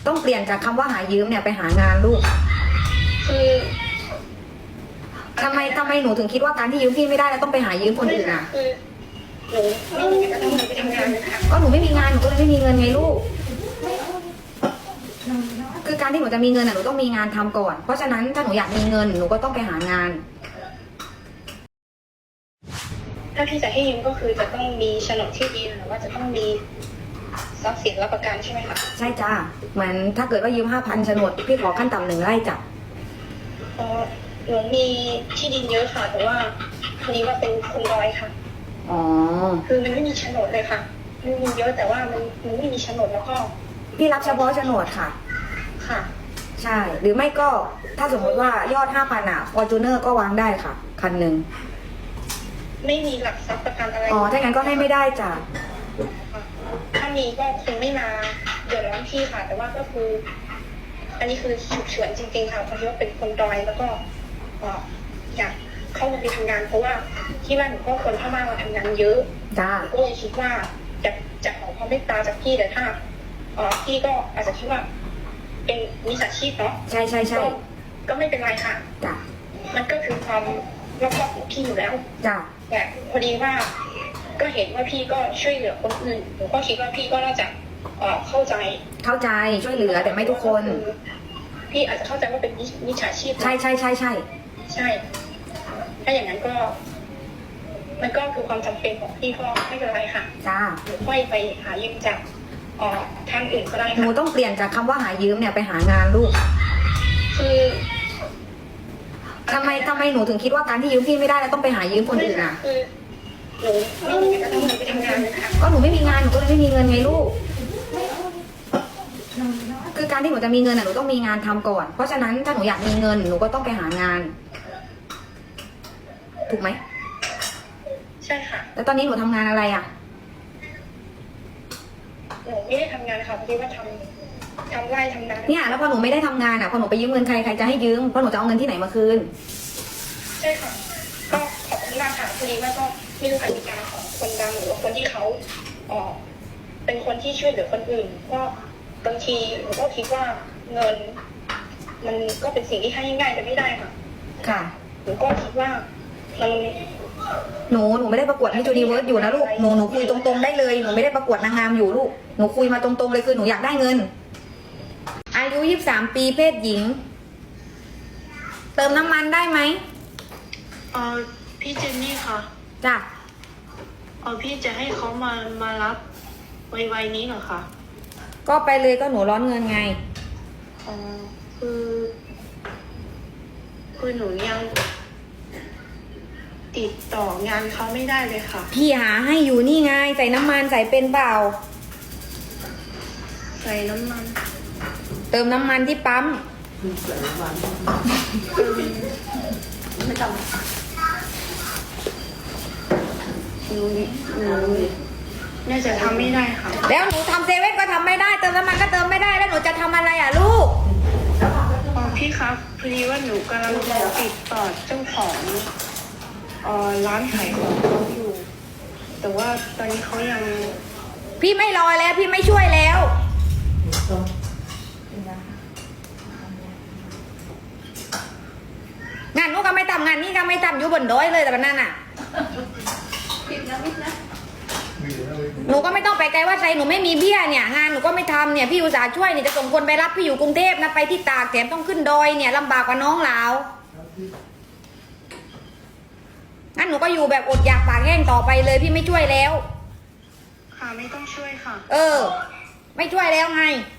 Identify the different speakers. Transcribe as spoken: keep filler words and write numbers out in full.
Speaker 1: ต้องเปลี่ยนจากคำว่าหายืมเนี่ยไปหางานลูก
Speaker 2: คือ
Speaker 1: ทำไมทำไมหนูถึงคิดว่าการที่ยืมพี่ไม่ได้แล้วต้องไปหายืมคนอื่นอ่ะ
Speaker 2: คือหนูไม่มีเงินต้องไปทำงานนะคะ
Speaker 1: ก็หนูไม่มีงานหนูก็เลยไม่มีเงินไงลูกคือการที่หนูจะมีเงินอ่ะหนูต้องมีงานทำก่อนเพราะฉะนั้นถ้าหนูอยากมีเงินหนูก็ต้องไปหางาน
Speaker 2: ถ้าพี่จะให้ยืมก็คือจะต้องมีโฉนดที่ดินหรือว่าจะต้องมีทรัพย์สินรับประกันใช่ไหมคะ
Speaker 1: ใช่จ้าเหมือนถ้าเกิดว่ายืมห้าพันโฉนดพี่ขอขั้นต่ำหนึ่งไร่จ้ะ
Speaker 2: อ๋อหนูมีที่ดินเยอะค่ะแต่ว่าพอดีว่าเป็นคนรอยค่ะ
Speaker 1: อ๋อ
Speaker 2: คือมันไม่มีโฉนดเลยค่ะมันมีเยอะแต่ว่ามันมันไม่มีโฉนดแล้วก็
Speaker 1: พี่รับเฉพาะโฉนดค่ะ
Speaker 2: ค่ะ
Speaker 1: ใช่หรือไม่ก็ถ้าสมมติว่ายอดห้าพันอ่ะฟอร์จูเนอร์ก็วางได้ค่ะคันหนึ่ง
Speaker 2: ไม่มีหลักทรัพย์ประกันอะไร
Speaker 1: อ๋อถ้างั้นก็ให้ไม่ได้จ้ะ
Speaker 2: ถ้ามีก็คงไม่มาเดือดร้อนพี่ค่ะแต่ว่าก็คืออันนี้คือฉุกเฉินจริงๆค่ะเพราะว่าเป็นคนดอยแล้วก็อยากเข้ามาไปทำงานเพราะว่าที่บ้านหนูก็คนเข้ามามาทำงานเยอะ
Speaker 1: จ้า
Speaker 2: ก็เลยคิดว่าจะจะขอความเมตตาจากพี่แต่ถ้าอ๋อพี่ก็อาจจะคิดว่าเป็นมิจฉาชีพเนาะ
Speaker 1: ใช่ใช่ใช่
Speaker 2: ก็ไม่เป็นไรค่ะ
Speaker 1: จ้ะ
Speaker 2: มันก็คือความรอบคอบของพี่อยู่แล้ว
Speaker 1: จ้ะ
Speaker 2: แต่พอดีว่าก็เห็นว่าพี่ก็ช่วยเหลือคนอื่นหนูก็คิดว่าพี่ก็น่าจะเข้าใจ
Speaker 1: เข้าใจช่วยเหลือแต่ไม่ทุกคน
Speaker 2: พี่อาจจะเข้าใจว่าเป็นมิจฉาชีพ
Speaker 1: ใช่ใช่ใช่ใช่
Speaker 2: ใช่ถ้าอย่างนั้นก็มันก็คือความจำเป็นของพี่ก็ไม่เป็นไรค่ะ
Speaker 1: จ้า
Speaker 2: หนูค่อยไปหายืมจากอ๋อทางอื่นก็ได้ค่ะ
Speaker 1: หนูต้องเปลี่ยนจากคำว่าหายืมเนี่ยไปหางานลูก
Speaker 2: คือ
Speaker 1: ทำไมทำไมหนูถึงคิดว่าการที่ยืมพี่ไม่ได้แล้วต้องไปหายืมคนอื่นอ่ะ
Speaker 2: คือหนูไม่มีเงินต้องไปทำงานนะคะ
Speaker 1: ก็หนูไม่มีงานหนูก็เลยไม่มีเงินไงลูกคือการที่หนูจะมีเงินอ่ะหนูต้องมีงานทำก่อนเพราะฉะนั้นถ้าหนูอยากมีเงินหนูก็ต้องไปหางานถูกไหม
Speaker 2: ใช่ค่ะ
Speaker 1: แล้วตอนนี้หนูทำงานอะไรอ่ะ
Speaker 2: หนูไม่ได้ทำงานค่ะพอดีว่าทำทำไร่ทำนา
Speaker 1: เนี่ยแล้วพอหนูไม่ได้ทำงานอ่ะพอหนูไปยืมเงินใครใครจะให้ยืมเพราะหนูจะเอาเงินที่ไหนมาคืน
Speaker 2: ใช่ค่ะก็ขอบคุณมากค่ะพอดีว่าก็ไม่รู้กติกาของคนดังหรือว่าคนที่เขาอ๋อเป็นคนที่ช่วยเหลือคนอื่นก็บางทีหนูก็คิดว่าเงินมันก็เป็นสิ่งที่ให้ง่ายแต่ไม่ได้ค่ะ
Speaker 1: ค่ะ
Speaker 2: หนูก็คิดว่ามัน
Speaker 1: หนูหนูไม่ได้ประกวดมิส ยูนิเวิร์สอยู่นะลูกหนูหนูคุยตรงๆได้เลยหนูไม่ได้ประกวดนางงามอยู่ลูกหนูคุยมาตรงๆเลยคือหนูอยากได้เงินอายุยี่สิบสามปีเพศหญิงเติมน้ำมันได้ไหม
Speaker 2: เออพี่เจนนี่ค่ะ
Speaker 1: จ้ะ
Speaker 2: เออพี่จะให้เขามามารับไวๆนี้เหรอคะ
Speaker 1: ก็ไปเลยก็หนูร้อนเงินไง
Speaker 2: อ๋อคือคือหนูยังติดต่องานเขาไม่ได้เลยค่ะ
Speaker 1: พี่หาให้อยู่นี่ไงใส่น้ำมันใส่เป็นเปล่า
Speaker 2: ใส่น้ำมัน
Speaker 1: เติมน้ำมันที่ปั๊ม
Speaker 2: ใส่น้ำมันไม่ต้องหนูหนูน่าจะทำไม่ได้ค่ะ
Speaker 1: แล้วหนูทำเซเว่นก็ทำไม่ได้เติมน้ำมันก็เติมไม่ได้แล้วหนูจะทำอะไรอ่ะลูก
Speaker 2: อ๋อพี่ครับพอดีว่าหนูกำลังจะติดต่อเจ้าของเอ่อร้านขายของเขาอยู่แต่ว่าตอนนี้เขายัง
Speaker 1: พี่ไม่รอแล้วพี่ไม่ช่วยแล้วงานนู้นก็ไม่ทำงานนี้ก็ไม่ทำอยู่บนดอยเลยแต่นั่นน่ะหนูก็ไม่ต้องไปไกลว่าใจหนูไม่มีเบี้ยเนี่ยงานหนูก็ไม่ทำเนี่ยพี่อุตส่าห์ช่วยเนี่ยจะส่งคนไปรับพี่อยู่กรุงเทพนะไปที่ตากแถมต้องขึ้นดอยเนี่ยลำบากกว่าน้องเรางั้นหนูก็อยู่แบบอดอยากปากแห้งต่อไปเลยพี่ไม่ช่วยแล้ว
Speaker 2: ค่ะไม่ต้องช่วยค่ะ
Speaker 1: เออไม่ช่วยแล้วไง